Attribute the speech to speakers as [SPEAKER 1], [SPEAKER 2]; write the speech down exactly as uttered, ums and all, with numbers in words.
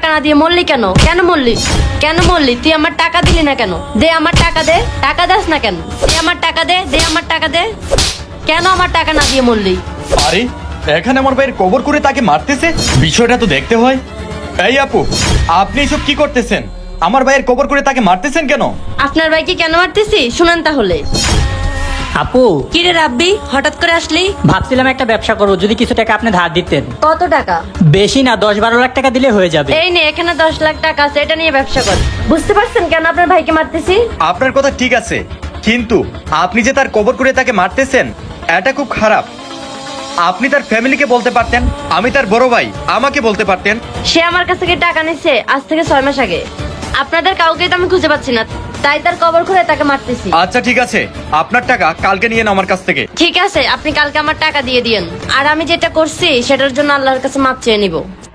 [SPEAKER 1] না দিয়ে মরলি কেন? কেন মরলি? কেন মরলি? তুই আমার টাকা দিলি না কেন? দে আমার টাকা দে। টাকা দাস না কেন? দে আমার টাকা দে। দে আমার টাকা দে। কেন আমার টাকা না দিয়ে মরলি?
[SPEAKER 2] আরে এখানে আমার ভাইয়ের কবর করে তাকে মারতেছে, বিষয়টা তো দেখতে হয়। এই আপু, আপনি এসব কি করতেছেন? আমার ভাইয়ের কবর করে তাকে মারতেছেন কেন?
[SPEAKER 1] আপনার ভাইকে কেন মারতেছি শুনেন তাহলে।
[SPEAKER 3] আপু,
[SPEAKER 1] কি রে রাব্বি, হঠাৎ করে আসলি?
[SPEAKER 3] ভাবছিলাম একটা ব্যবসা করবো, যদি কিছু টাকা আপনি ধার দিতেন।
[SPEAKER 1] কত টাকা?
[SPEAKER 3] বেশি না, দশ বারো লাখ টাকা দিলে হয়ে যাবে।
[SPEAKER 1] এই নে, এখানে দশ লাখ টাকা আছে, এটা নিয়ে ব্যবসা কর। বুঝতে পারছেন কেন আপনার ভাইকে মারতেছি?
[SPEAKER 2] আপনার কথা ঠিক আছে, কিন্তু আপনি যে তার কবর করে তাকে মারতেছেন, এটা খুব খারাপ। আপনি তার ফ্যামিলিকে বলতে পারতেন, আমি তার বড় ভাই, আমাকে বলতে পারতেন।
[SPEAKER 1] সে আমার কাছ থেকে টাকা নিচ্ছে আজ থেকে ছয় মাস আগে। আপনাদের কাউকে তো আমি খুঁজে পাচ্ছি না, তাই তার কবর খুঁড়ে তাকে মারতেছি।
[SPEAKER 2] আচ্ছা ঠিক আছে, আপনার টাকা কালকে নিয়ে নেন আমার কাছ থেকে।
[SPEAKER 1] ঠিক আছে, আপনি কালকে আমার টাকা দিয়ে দিয়েন। আর আমি যেটা করছি সেটার জন্য আল্লাহর কাছে মাপ চেয়ে নিব।